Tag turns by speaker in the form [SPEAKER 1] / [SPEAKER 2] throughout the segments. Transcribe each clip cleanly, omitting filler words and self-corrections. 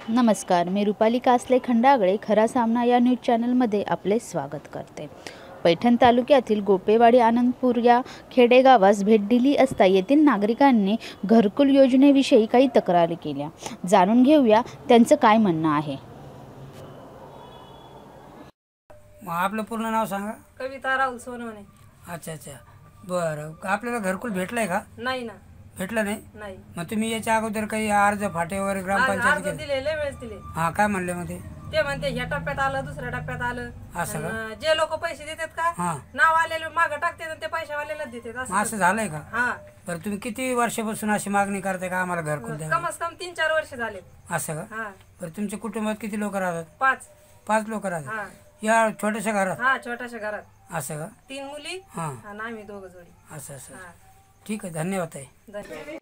[SPEAKER 1] नमस्कार, मी रुपाली कासले खंडागळे खरा सामना या न्यूज चॅनलमध्ये आपले स्वागत करते। पैठण तालुक्यातील गोपेवाडी आनंदपूर या खेडेगावास भेट दिली असता येथील नागरिकांनी घरकुल योजनेविषयी काही तक्रारी केल्या। जाणून घेऊया त्यांचं काय म्हणणं आहे।
[SPEAKER 2] आपलं पूर्ण नाव सांगा।
[SPEAKER 3] कविता राहुल सोनवणे।
[SPEAKER 2] अच्छा अच्छा, बरं। आपल्याला घरकुल भेटलंय का?
[SPEAKER 3] नाही ना,
[SPEAKER 2] भेटलं नाही।
[SPEAKER 3] नाही।
[SPEAKER 2] मग तुम्ही याच्या अगोदर काही अर्ज फाटे वगैरे ग्रामपंचायत
[SPEAKER 3] अर्ज दिले, लय वेळेस दिले।
[SPEAKER 2] हां, काय म्हणले मग
[SPEAKER 3] ते म्हणते ह्या टप्प्यात आलं, दुसऱ्या टप्प्यात आलं।
[SPEAKER 2] असं का?
[SPEAKER 3] जे लोक पैसे देतात का,
[SPEAKER 2] हां,
[SPEAKER 3] नाव आलेले मागं टाकतात आणि ते पैशावाल्यालाच देतात।
[SPEAKER 2] असं झालंय का?
[SPEAKER 3] हां।
[SPEAKER 2] बरं, तुम्ही किती वर्षापासून अशी मागणी करताय का आम्हाला घरकुल द्या?
[SPEAKER 3] कमस कम 3-4 वर्ष झाले।
[SPEAKER 2] असं का?
[SPEAKER 3] हां।
[SPEAKER 2] बरं, तुमच्या कुटुंबात किती लोक राहतात?
[SPEAKER 3] 5
[SPEAKER 2] लोक राहतात
[SPEAKER 3] हां।
[SPEAKER 2] या छोट्याशा घरात?
[SPEAKER 3] हां, छोट्याशा घरात।
[SPEAKER 2] असं का?
[SPEAKER 3] 3 मुली
[SPEAKER 2] हां,
[SPEAKER 3] आणि आम्ही दोघं जोडी।
[SPEAKER 2] असं असं।
[SPEAKER 3] हां,
[SPEAKER 2] ठीक आहे, धन्यवाद ताई।
[SPEAKER 3] धन्यवाद।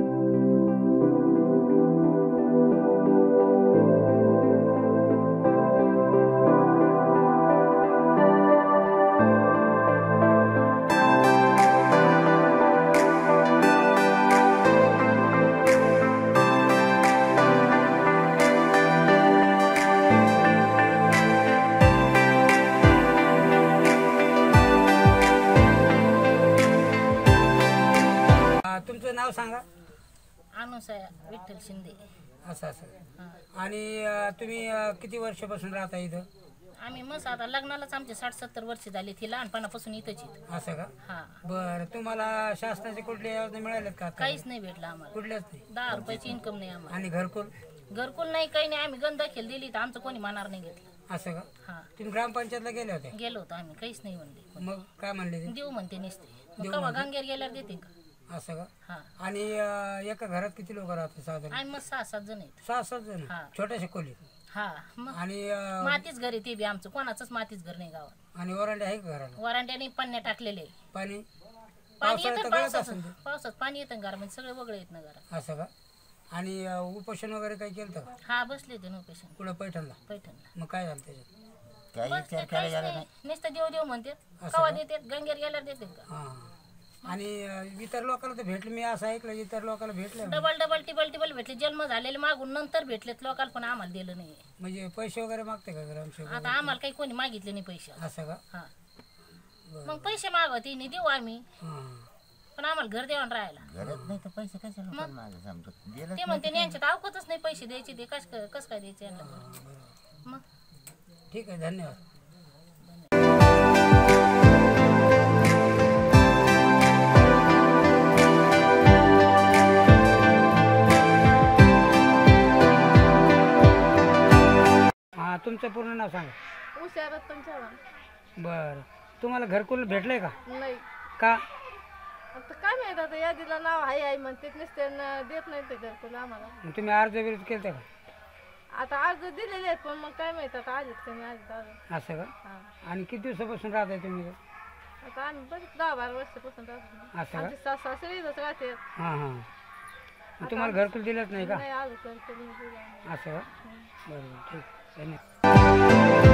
[SPEAKER 2] तुमचं नाव सांगा।
[SPEAKER 4] अनुसया विठ्ठल शिंदे।
[SPEAKER 2] असं असं। आणि तुम्ही किती वर्षापासून राहता इथं?
[SPEAKER 4] आम्ही मस्त आता लग्नालाच आमचे 60-70 वर्ष झाली। ती लहानपणापासून इथंच आहेत।
[SPEAKER 2] असं का?
[SPEAKER 4] हा।
[SPEAKER 2] बरं, तुम्हाला शासनाचे कुठल्या योजना मिळाल्यात का?
[SPEAKER 4] काहीच नाही भेटलं आम्हाला,
[SPEAKER 2] कुठल्याच नाही।
[SPEAKER 4] 10 रुपयाची इन्कम नाही आम्हाला।
[SPEAKER 2] आणि घरकुल?
[SPEAKER 4] घरकुल नाही, काही नाही। आम्ही गंध खेळ दिली तर आमचं कोणी मानार नाही घेतलं।
[SPEAKER 2] असं का?
[SPEAKER 4] हा,
[SPEAKER 2] तुम्ही ग्रामपंचायतला गेले होते?
[SPEAKER 4] गेलो होतो आम्ही, काहीच नाही म्हणले।
[SPEAKER 2] मग काय म्हणले ते?
[SPEAKER 4] देऊ म्हणते नसते, कवा गंगेर गेल्यावर देते का?
[SPEAKER 2] असं का?
[SPEAKER 4] हा।
[SPEAKER 2] आणि एका घरात किती लोक राहतात साधारण?
[SPEAKER 4] आम्ही मग 6-7 जण आहेत।
[SPEAKER 2] 6-7 जण?
[SPEAKER 4] हा।
[SPEAKER 2] छोट्याशा खोलीत?
[SPEAKER 4] हा, मग
[SPEAKER 2] आणि
[SPEAKER 4] मातीच घर आहे ते बी आमचं, कोणाचंच मातीच घर नाही गावात।
[SPEAKER 2] आणि वरांडे आहे का घराला?
[SPEAKER 4] वरांड्याने पाण्या टाकलेले।
[SPEAKER 2] पाणी?
[SPEAKER 4] पाणी
[SPEAKER 2] पावसाळ्यात
[SPEAKER 4] येतं,
[SPEAKER 2] तर गळत असेल ते?
[SPEAKER 4] पावसात पाणी येतं घरामध्ये, सगळे वगळे येत ना घरात।
[SPEAKER 2] असं का? आणि उपोषण वगैरे काही केलं का?
[SPEAKER 4] हा, बसले ते नोपेशन
[SPEAKER 2] कुठं? पैठणला?
[SPEAKER 4] पैठणला।
[SPEAKER 2] मग काय झालं त्याच्यात?
[SPEAKER 4] नुसतं देव देव म्हणते, कवा देते गंगेर गेल्यावर देते का?
[SPEAKER 2] हां। आणि इतर लोकांना तर भेटले, मी असं ऐकलं इतर लोकांना भेटले
[SPEAKER 4] डबल टिबल भेटले, जन्म झालेले मागून नंतर भेटलेत लोकांना, पण आम्हाला दिलं नाही।
[SPEAKER 2] म्हणजे पैसे वगैरे मागते का ग्रामसेवक?
[SPEAKER 4] आता आम्हाला काही कोणी मागितले नाही पैसे।
[SPEAKER 2] असं का?
[SPEAKER 4] हा, मग पैसे मागवते नाही, देऊ आम्ही,
[SPEAKER 2] हां।
[SPEAKER 4] पण आम्हाला घर देऊन राहायला
[SPEAKER 5] गरज नाही तर पैसे कशाला
[SPEAKER 4] ते म्हणते यांच्यात अवकतच नाही पैसे द्यायचे, ते कस काय द्यायचे यांना? मग
[SPEAKER 2] ठीक आहे, धन्यवाद। हां, तुमचं पूर्ण नाव सांगा।
[SPEAKER 6] उषा रतन चव्हाण।
[SPEAKER 2] बरं, तुम्हाला घरकुल भेटलंय का?
[SPEAKER 6] नाही
[SPEAKER 2] का?
[SPEAKER 6] आता काय माहित, आता यादीला नाव आहे म्हणते, नुसते देत नाही ते घरकुल आम्हाला।
[SPEAKER 2] मग तुम्ही अर्ज विरोध केलते का?
[SPEAKER 6] आता अर्ज दिलेले आहेत, पण मग काय माहित आता आलेत का नाही आलेत अजून।
[SPEAKER 2] असं का?
[SPEAKER 6] हा,
[SPEAKER 2] आणि किती दिवसापासून राहताय तुम्ही?
[SPEAKER 6] आता आम्ही बरेच 10-12 वर्षापासून राहतो।
[SPEAKER 2] असं का?
[SPEAKER 6] आमचे सासरे इथंच राहते।
[SPEAKER 2] हां हां। मग तुम्हाला घरकुल दिलंच नाही का?
[SPEAKER 6] नाही अजून घरकुल नाही दिलं आम्हाला।
[SPEAKER 2] असं का? बरोबर, ठीक, धन्यवाद।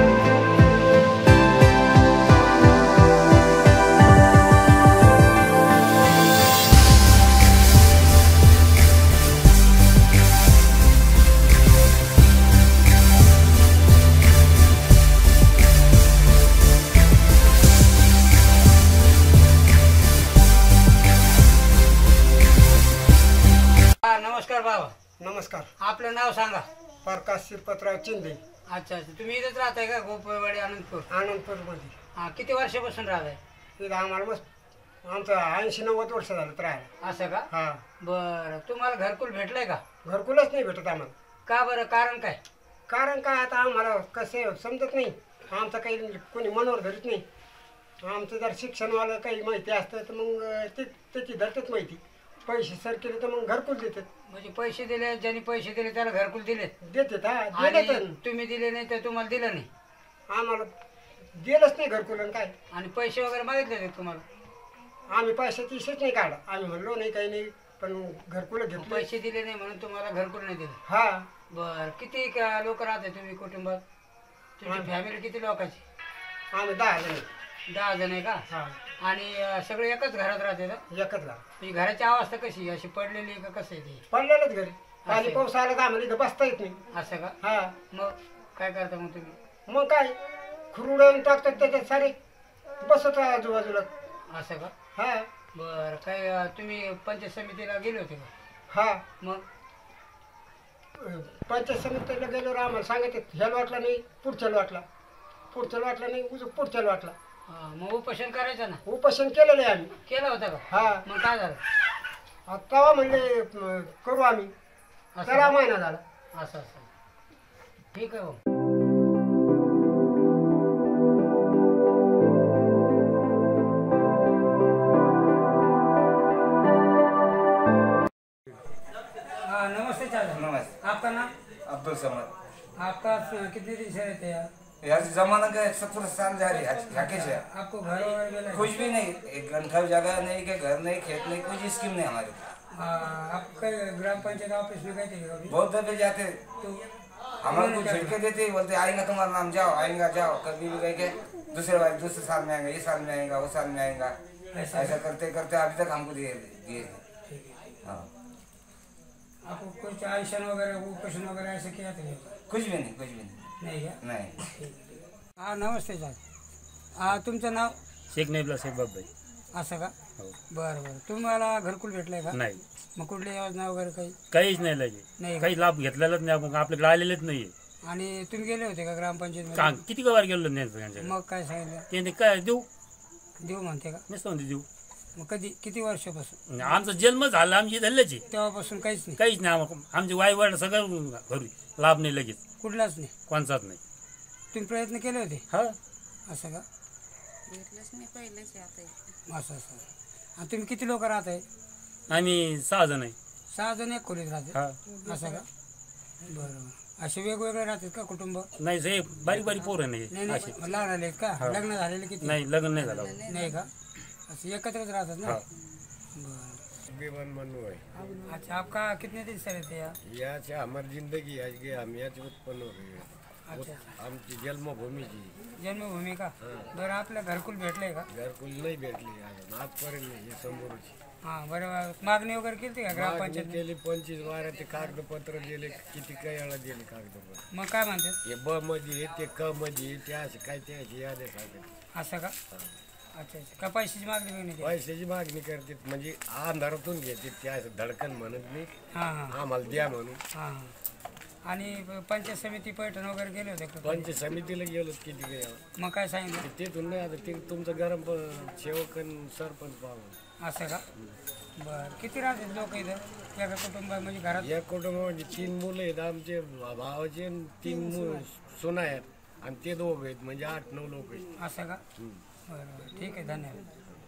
[SPEAKER 2] नमस्कार बाबा।
[SPEAKER 7] नमस्कार।
[SPEAKER 2] आपलं नाव सांगा।
[SPEAKER 7] प्रकाश शिरपतराव चिंदे।
[SPEAKER 2] अच्छा अच्छा, तुम्ही इथंच राहताय का? गोपेवाडी आनंदपूर?
[SPEAKER 7] आनंदपूरमध्ये।
[SPEAKER 2] हां, किती वर्षापासून राहताय?
[SPEAKER 7] तिथं आम्हाला मस्त आमचं 80-90 वर्ष झालं तर राहायला।
[SPEAKER 2] असं का?
[SPEAKER 7] हां।
[SPEAKER 2] बरं, तुम्हाला घरकुल भेटलंय का?
[SPEAKER 7] घरकुलच नाही भेटत आम्हाला।
[SPEAKER 2] का बरं? कारण काय?
[SPEAKER 7] कारण काय, आता आम्हाला कसे समजत नाही, आमचं काही कोणी मनावर धरत नाही। आमचं जर शिक्षणवालं काही माहिती असतं तर मग त्याची धरतात माहिती, पैसे सर केले तर मग घरकुल देतात।
[SPEAKER 2] म्हणजे पैसे दिले, ज्यांनी पैसे दिले त्याला घरकुल दिलेत?
[SPEAKER 7] देतात। हा,
[SPEAKER 2] आणि
[SPEAKER 7] दिलं
[SPEAKER 2] तुम्ही दिले नाही तर तुम्हाला दिलं नाही?
[SPEAKER 7] आम्हाला दिलंच नाही घरकुल। आणि काय,
[SPEAKER 2] आणि पैसे वगैरे मागितले ते तुम्हाला?
[SPEAKER 7] आम्ही पैशाची इशेच नाही काढला, आम्ही म्हणलो नाही काही नाही, पण घरकुल घेतलं।
[SPEAKER 2] पैसे दिले नाही म्हणून तुम्हाला घरकुल नाही दिलं?
[SPEAKER 7] हा।
[SPEAKER 2] बरं, किती लोक राहते तुम्ही कुटुंबात? तुमची फॅमिली किती लोकांची?
[SPEAKER 7] आम्ही 10 जण।
[SPEAKER 2] 10 जण आहे का?
[SPEAKER 7] हा।
[SPEAKER 2] आणि सगळे एकच घरात राहते ना?
[SPEAKER 7] एकच घरात।
[SPEAKER 2] म्हणजे घराची अवस्था कशी, अशी पडलेली आहे का कसं आहे ती?
[SPEAKER 7] पडलेलंच घरी। पाणी पाऊस आला तर आम्हाला इथं बसता येत नाही.
[SPEAKER 2] असं का?
[SPEAKER 7] हा
[SPEAKER 2] मग काय करता मग तुम्ही?
[SPEAKER 7] मग काय खुरुडून टाकतात त्याच्यात सारे बसत आजूबाजूला.
[SPEAKER 2] असं का?
[SPEAKER 7] हा
[SPEAKER 2] बरं काय तुम्ही पंचायत समितीला गेले होते का?
[SPEAKER 7] हा
[SPEAKER 2] मग
[SPEAKER 7] पंचायत समितीला गेल्यावर आम्हाला सांगायचं ह्या लॉटला नाही पुढच्या लॉटला, पुढच्या लॉटला नाही पुढच्या लॉटला.
[SPEAKER 2] मग उपोषण करायचं ना?
[SPEAKER 7] उपोषण केलेलं आहे आम्ही.
[SPEAKER 2] केलं होतं का?
[SPEAKER 7] हा
[SPEAKER 2] मग काय झालं?
[SPEAKER 7] तेव्हा म्हणले करू आम्ही.
[SPEAKER 2] असं
[SPEAKER 7] त्याला
[SPEAKER 2] का?
[SPEAKER 7] महिना झाला.
[SPEAKER 2] असं असं ठीक आहे भाऊ. हाँ नमस्ते चाचा।
[SPEAKER 8] नमस्ते।
[SPEAKER 2] आपका नाम?
[SPEAKER 8] अब्दुल समद।
[SPEAKER 2] आपका कितने दिन से रहते हैं?
[SPEAKER 8] यार जमाना का 70 साल जा रही है राकेश है।
[SPEAKER 2] आपको घर वगैरह मिला है?
[SPEAKER 8] कुछ भी नहीं, एक घंटा जगह नहीं, के घर नहीं, खेत नहीं, कुछ स्कीम नहीं हमारे।
[SPEAKER 2] आप ग्राम पंचायत ऑफिस में गए थे कभी?
[SPEAKER 8] बहुत दफे जाते
[SPEAKER 2] तो
[SPEAKER 8] हमारे को झटके देते, बोलते आएगा तुम्हारा नाम, जाओ आएगा जाओ। कभी भी गए के दूसरे साल में आएगा, ये साल में आएगा, वो साल में आएगा, ऐसा करते करते अभी तक हमको दिए। हाँ
[SPEAKER 2] आपको कुछ आयुष्मान वगैरह उपोषण वगैरह ऐसे किया था?
[SPEAKER 8] कुछ भी नहीं, कुछ भी
[SPEAKER 2] नहीं है?
[SPEAKER 8] नहीं।
[SPEAKER 2] हाँ नमस्ते सर। तुमचं नाव?
[SPEAKER 9] शेख नाईबला शेख बाबाई.
[SPEAKER 2] असं का?
[SPEAKER 9] हो.
[SPEAKER 2] बरं बरं. तुम्हाला घरकुल भेटलंय का?
[SPEAKER 9] नाही,
[SPEAKER 2] मग कुठली योजना वगैरे काही?
[SPEAKER 9] काहीच नाही लगे,
[SPEAKER 2] नाही
[SPEAKER 9] काही लाभ घेतलेलाच नाही आपण, आपल्याकडे आलेलेच नाहीये.
[SPEAKER 2] आणि तुम्ही गेले होते का ग्रामपंचायत
[SPEAKER 9] का किती वार गेलो नाही त्यांच्याकडे.
[SPEAKER 2] मग काय सांगितलं?
[SPEAKER 9] ते काय देऊ
[SPEAKER 2] देऊ म्हणते का?
[SPEAKER 9] नसतं म्हणते देऊ.
[SPEAKER 2] मग कधी किती वर्षापासून?
[SPEAKER 9] आमचा जन्म झाला आमची धरल्याची,
[SPEAKER 2] तेव्हापासून काहीच नाही?
[SPEAKER 9] काहीच नाही आमचे वाईवड सगळं घरी लाभ नाही लगेच,
[SPEAKER 2] कुठलाच नाही?
[SPEAKER 9] कोणचाच नाही.
[SPEAKER 2] तुम्ही प्रयत्न केले होते?
[SPEAKER 9] हा
[SPEAKER 2] असं का? असं असं. आणि तुम्ही किती लोक राहत आहे?
[SPEAKER 9] आम्ही 6 जण आहे.
[SPEAKER 2] 6 जण एक खोलीत राहते?
[SPEAKER 9] हा
[SPEAKER 2] असं का? बरं. असे वेगवेगळे राहतात का कुटुंब?
[SPEAKER 9] नाही, हे बारीक बारीक पोरं
[SPEAKER 2] नाही
[SPEAKER 9] नाही
[SPEAKER 2] नाही,
[SPEAKER 9] असे.
[SPEAKER 2] लहान आलेत का?
[SPEAKER 9] हा.
[SPEAKER 2] लग्न झालेले किती?
[SPEAKER 9] नाही, लग्न नाही झालं.
[SPEAKER 2] नाही का? असं एकत्रच राहतात ना?
[SPEAKER 9] हा.
[SPEAKER 2] बरं.
[SPEAKER 10] बेमन मनु है।
[SPEAKER 2] अच्छा, आपका कितने दिन से रहते हैं?
[SPEAKER 10] यहाँ से हमारी जिंदगी आज के हम यहाँ से उत्पन्न हो गए हैं।
[SPEAKER 2] अच्छा,
[SPEAKER 10] आमची जन्मभूमी जी
[SPEAKER 2] जन्मभूमी का? बरं, आपल्या घरकुल भेटलंय का?
[SPEAKER 10] घरकुल नाही भेटली अजून आजपर्यंत नाही. हे समोरची
[SPEAKER 2] हां बरं. मागणी वगैरे केली का ग्रामपंचायत?
[SPEAKER 10] केली 25 ते कागदपत्र दिले, किती काही वेळा दिले कागदपत्र.
[SPEAKER 2] मग काय म्हणतात?
[SPEAKER 10] हे ब मध्ये ते क मध्ये ते असे काय ते असे यादे सांगतात.
[SPEAKER 2] असं का? अच्छा अच्छा. का पैशाची मागणी बिगणी केली?
[SPEAKER 10] पैशाची मागणी करते म्हणजे अंधारातून घेते ते असं धडकन म्हणत नाही
[SPEAKER 2] हां हां
[SPEAKER 10] आम्हाला द्या म्हणून.
[SPEAKER 2] हां हां. आणि पंचायत समिती पैठण वगैरे गेले होते का?
[SPEAKER 10] पंचायत समितीला गेलो किती काही वेळा.
[SPEAKER 2] मग काय सांगितलं?
[SPEAKER 10] तिथून नाही आता ते तुमचं गरम सेवक आणि सरपंच पाहून.
[SPEAKER 2] असं का? बरं. किती राहतात लोक इथं एका कुटुंबात म्हणजे घरात?
[SPEAKER 10] या कुटुंबामध्ये 3 मुलं आहेत आमचे भावाचे, 3 सुना आहेत आणि ते 2 आहेत म्हणजे 8-9 लोक आहेत.
[SPEAKER 2] असं का? बरं बरं. ठीक आहे, धन्यवाद.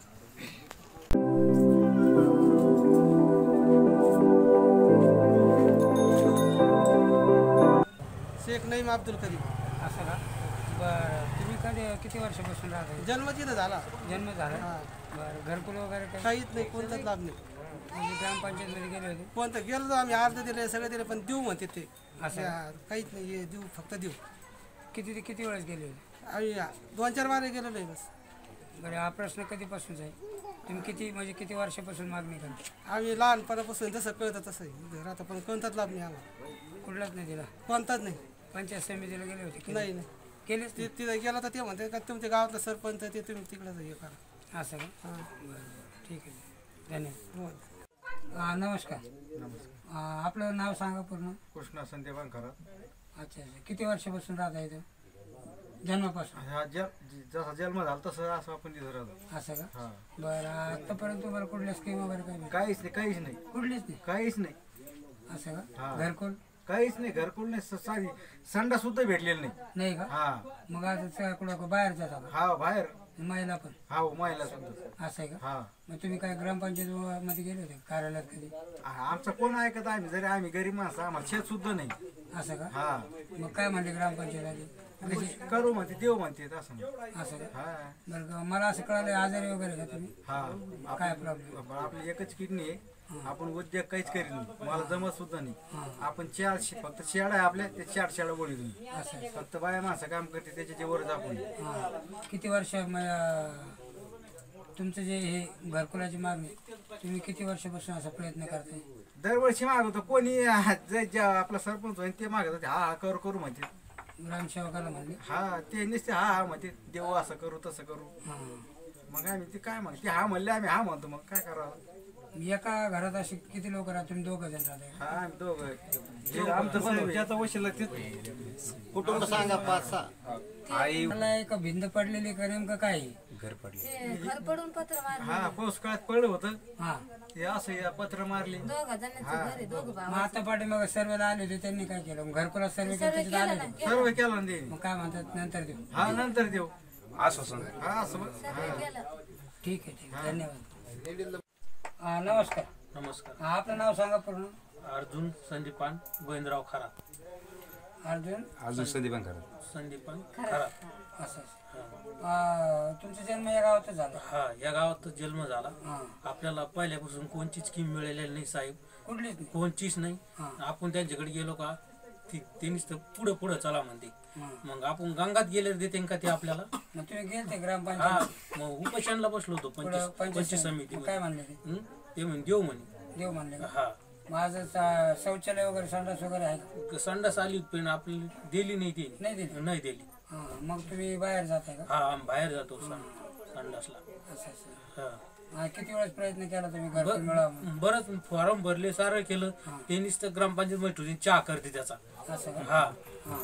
[SPEAKER 3] शेख नईम अब्दुल करीम.
[SPEAKER 2] असं का? बरं. तुम्ही किती वर्षापासून राहता?
[SPEAKER 3] जन्म तिथं झाला.
[SPEAKER 2] जन्म झाला? बरं. घरकुल वगैरे काही?
[SPEAKER 3] काहीच नाही, कोणताच लाभ नाही.
[SPEAKER 2] म्हणजे ग्रामपंचायतमध्ये गेले होते?
[SPEAKER 3] कोणतं गेलो तर आम्ही अर्ध दिले, सगळे दिले, पण देऊ म्हणते ते.
[SPEAKER 2] असं?
[SPEAKER 3] काहीच नाही, हे देऊ फक्त देऊ.
[SPEAKER 2] किती वेळेस गेले होते?
[SPEAKER 3] आम्ही 2-4 बार गेलेलो आहे बस.
[SPEAKER 2] बरं. हा प्रश्न कधीपासूनच आहे? तुम्ही किती वर्षापासून मागणी करता?
[SPEAKER 3] आम्ही लहानपणापासून जसं कळतं तसं राहतं, पण कोणताच लाभ नाही आम्हाला.
[SPEAKER 2] कुठलाच नाही दिला?
[SPEAKER 3] कोणताच नाही.
[SPEAKER 2] पंचायत समितीला गेले होते?
[SPEAKER 3] नाही नाही.
[SPEAKER 2] केलेच
[SPEAKER 3] ते तिथं गेला तर ते म्हणते का तुमच्या गावातलं सरपंच ते तुम्ही तिकडं हे करा.
[SPEAKER 2] असं का?
[SPEAKER 3] हां
[SPEAKER 2] बरं. ठीक आहे, धन्यवाद.
[SPEAKER 3] हो.
[SPEAKER 2] नमस्कार. आपलं नाव सांगा पूर्ण.
[SPEAKER 11] कृष्णा संदेवान खरा.
[SPEAKER 2] अच्छा अच्छा. किती वर्षापासून राहता इथं? जन्मापासून?
[SPEAKER 11] जसा जन्म झाला तसं असं आपण तिथं राहतो.
[SPEAKER 2] असं का?
[SPEAKER 11] हां.
[SPEAKER 2] बरं. आतापर्यंत तुम्हाला कुठल्या स्कीम वगैरे काही
[SPEAKER 11] काहीच नाही, काहीच नाही,
[SPEAKER 2] कुठलीच नाही?
[SPEAKER 11] काहीच नाही.
[SPEAKER 2] असं का?
[SPEAKER 11] हां.
[SPEAKER 2] घरकुल?
[SPEAKER 11] काहीच नाही, घरकुल नाही, साधी संडा सुद्धा भेटलेला नाही.
[SPEAKER 2] नाही का?
[SPEAKER 11] हा
[SPEAKER 2] मग आता कुठं बाहेर जाता का?
[SPEAKER 11] हा बाहेर.
[SPEAKER 2] महिला पण?
[SPEAKER 11] हा महिला सुद्धा.
[SPEAKER 2] असं आहे का?
[SPEAKER 11] हा.
[SPEAKER 2] मग तुम्ही काय ग्रामपंचायत मध्ये गेले होते कार्यालयात कधी?
[SPEAKER 11] आमचं कोण ऐकत आम्ही, जरी आम्ही गरीब माणसं, आम्हाला शेत सुद्धा नाही.
[SPEAKER 2] असं का?
[SPEAKER 11] हा.
[SPEAKER 2] मग काय म्हणते ग्रामपंचायत आली?
[SPEAKER 11] करू म्हणते, देऊ म्हणते असं.
[SPEAKER 2] असं का?
[SPEAKER 11] हा.
[SPEAKER 2] बरं. मला असं कळालं आजारी वगैरे का तुम्ही?
[SPEAKER 11] हा.
[SPEAKER 2] काय प्रॉब्लेम?
[SPEAKER 11] आपली एकच किडनी आहे, आपण उद्योग काहीच करीत नाही, मला जमत सुद्धा नाही. आपण फक्त शेड आहे आपल्या, ते 4 शेडा बोली तुम्ही.
[SPEAKER 2] असं
[SPEAKER 11] फक्त बाया माणसं काम करते त्याच्या वरच आपण.
[SPEAKER 2] किती वर्ष तुमचं जे हे घरकुलाची मागणी तुम्ही किती वर्षापासून असा प्रयत्न करताय?
[SPEAKER 11] दरवर्षी मागवतो कोणी आपला सरपंच होईल ते मागत होते हा करू करू म्हणते
[SPEAKER 2] ग्रामसेवकाला म्हणले
[SPEAKER 11] हा ते नुसते हा म्हणते देऊ असं करू तसं करू मग आम्ही ते काय म्हणते हा म्हणले आम्ही हा म्हणतो मग काय करावं
[SPEAKER 2] एका घरात असे किती लोक राहतात तुम्ही 2 जण राहता
[SPEAKER 11] हा आम्ही दोघं आमचं पण ज्याचा वशीला ते
[SPEAKER 3] कुटुंब सांगा 5-6
[SPEAKER 2] आई मला एक भिंत पडलेली का नेमकं काय
[SPEAKER 11] घर पडले हा पाऊस काळात पडलं होतं
[SPEAKER 2] हा
[SPEAKER 11] हे असं या पत्र मारले
[SPEAKER 2] मग आता पाठी मग सर्वेला आले होते त्यांनी काय केलं मग घरकुला सर्वे आले होते
[SPEAKER 11] सर्व केलं ना ते
[SPEAKER 2] मग काय म्हणतात नंतर देऊ
[SPEAKER 11] हा नंतर देऊ
[SPEAKER 9] आश्वासन
[SPEAKER 11] हा असं
[SPEAKER 2] ठीक आहे धन्यवाद नमस्कार
[SPEAKER 9] नमस्कार
[SPEAKER 2] आपलं नाव सांगा पूर्ण
[SPEAKER 9] अर्जुन संदीपान गोविंदराव खरा
[SPEAKER 2] अर्जुन
[SPEAKER 8] संदीपान करा
[SPEAKER 9] संदीपान खरा
[SPEAKER 2] असं तुमचा जन्म या गावातच झाला
[SPEAKER 9] हा या गावातच जन्म झाला
[SPEAKER 2] हा
[SPEAKER 9] आपल्याला पहिल्यापासून कोणचीच स्कीम मिळालेली नाही साहेब
[SPEAKER 2] कुठलीच नाही
[SPEAKER 9] कोणचीच नाही आपण त्यांच्याकडे गेलो का त्यांनीच तर पुढे पुढे चला म्हणते मग आपण गंगात गेले देते का ते आपल्याला
[SPEAKER 2] मग तुम्ही गेलते
[SPEAKER 9] हा
[SPEAKER 2] ग्रामपंचायत
[SPEAKER 9] मग उपोषणला बसलो होतो पंचायत समिती
[SPEAKER 2] काय म्हणले
[SPEAKER 9] ते म्हणे देऊ म्हणे
[SPEAKER 2] देव म्हणले
[SPEAKER 9] हा
[SPEAKER 2] माझं शौचालय वगैरे संडास वगैरे आहे
[SPEAKER 9] संडास आली पण आपली दिली नाही ती
[SPEAKER 2] नाही दिली
[SPEAKER 9] नाही दिली
[SPEAKER 2] मग तुम्ही बाहेर जाताय का
[SPEAKER 9] हा आम्ही बाहेर जातो संडासला
[SPEAKER 2] असं असं
[SPEAKER 9] हा
[SPEAKER 2] किती वेळेस प्रयत्न केला तुम्ही घरकुल मिळावं
[SPEAKER 9] बरंच फॉर्म भरले सारं केलं त्यांनीच तर ग्रामपंचायत मैत्रिणी चहा करते त्याचा
[SPEAKER 2] असं का
[SPEAKER 9] हा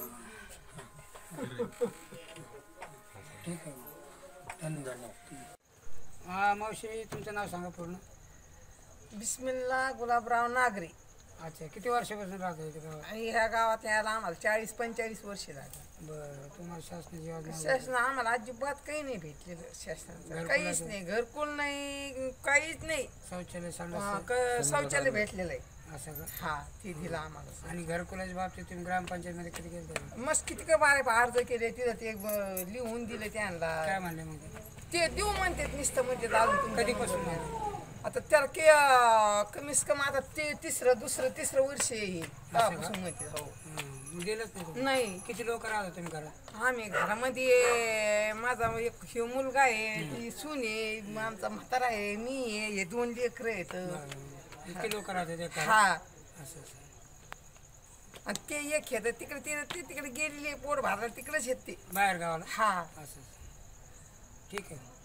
[SPEAKER 2] ठीक आहे धन्यवाद मावशी तुमचं नाव सांगा पूर्ण
[SPEAKER 12] बिस्मिल्ला गुलाबराव नागरे.
[SPEAKER 2] अच्छा किती वर्षापासून राहतो इथे गावात
[SPEAKER 12] आणि ह्या गावात यायला आम्हाला 40-45 वर्षे लागली.
[SPEAKER 2] बरं तुम्हाला शासनाची योजना
[SPEAKER 12] शासन आम्हाला अजिबात काही नाही भेटलेलं शासनाचं काहीच नाही घरकुल नाही काहीच नाही
[SPEAKER 2] शौचालय संडास
[SPEAKER 12] शौचालय भेटलेलं आहे
[SPEAKER 2] असं का
[SPEAKER 12] हा ते दिलं आम्हाला.
[SPEAKER 2] आणि घरकुलाच्या बाबतीत तुम्ही ग्रामपंचायतमध्ये किती केलं
[SPEAKER 12] मस्त किती का बारे अर्ज केले तिथं ते लिहून दिले त्यांना
[SPEAKER 2] काय म्हणले मग
[SPEAKER 12] ते देऊ म्हणतात नुसतं म्हणजे अजून
[SPEAKER 2] कधीपासून म्हणले
[SPEAKER 12] आता त्याला कमीच कमी आता ते तिसरं वर्ष येईल तेव्हापासून म्हणते हो
[SPEAKER 2] गेलंच नाही
[SPEAKER 12] नाही.
[SPEAKER 2] किती लोक राहतात तुम्ही घरात
[SPEAKER 12] आम्ही घरामध्ये माझा एक हे मुलगा आहे ती सून आहे आमचा म्हातारा आहे मी आहे हे 2 लेकरं आहेत.
[SPEAKER 2] किती लोक राहतात
[SPEAKER 12] हा
[SPEAKER 2] असं
[SPEAKER 12] आणि ते एक येत तिकडे ते तिकडे गेलेले पोट भरला तिकडेच येत ते
[SPEAKER 2] बाहेर गावाला
[SPEAKER 12] हा
[SPEAKER 2] असं ठीक आहे